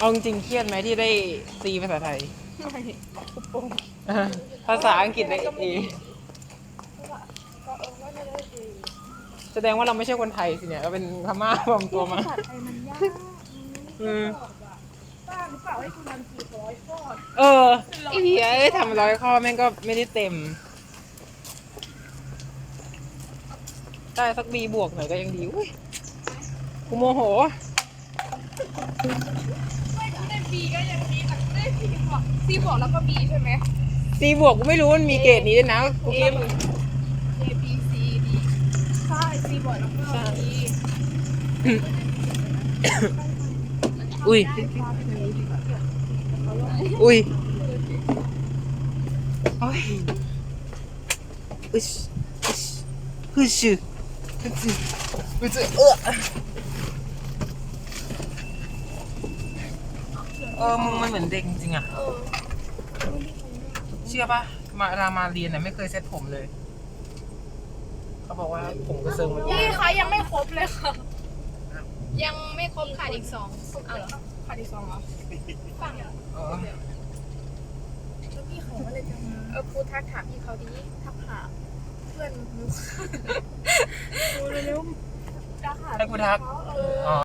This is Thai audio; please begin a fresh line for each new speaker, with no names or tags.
เอาจริงๆเครียดไหมที่ได้ซีภาษาไทย
ไม่คุปโปง
ภาษาอังกฤษได้เอแสดงว่าเราไม่ใช่คนไทยสิเนี่ยเราเป็นพม่าปลอมตัวมา
ภาษาไทยมันยาก
อืม
บ้าหรือเปล่าให้คุณทำ400ข้อ
ไอ้เหี้ยทำ100 ข้อแม่งก็ไม่ได้เต็ม ได้สักบีบวกหน่อยก็ยังดีอุ้ยกูโมโห
ไม่ได้ B ก็ยังดีแต่ได้ C บวกแล้วก็ B ใช่ไหม
ซีบวกกูไม่รู้มันมีเกรดนี้ด้วยนะกูคิด
A B C D ใช่ C บวกแล้วก็ B
อุ้ย อุ้ยโอ้ยอึชอึชฮึชฮึชฮึชมึงมันเหมือนเด็กจริงๆอ่ะ เชื่อปะมาเรียนน่ะไม่เคยเซ็ตผมเลย เขาบอกว่าผมกระเซิงมัน
พี่คะยังไม่ครบเลยค่ะ
ยังไม่ครบขาดอีก2เอาเหรอ
ขาดอีก2เหรอ
ฟัง
เออ
แล้วพี่เขาอะไรจะมา
ครูทักถามพี่เขาดี
ทักหาเพื่อนมุกเร็วๆจะหา
ให้กูทัก
เขา
อ๋อ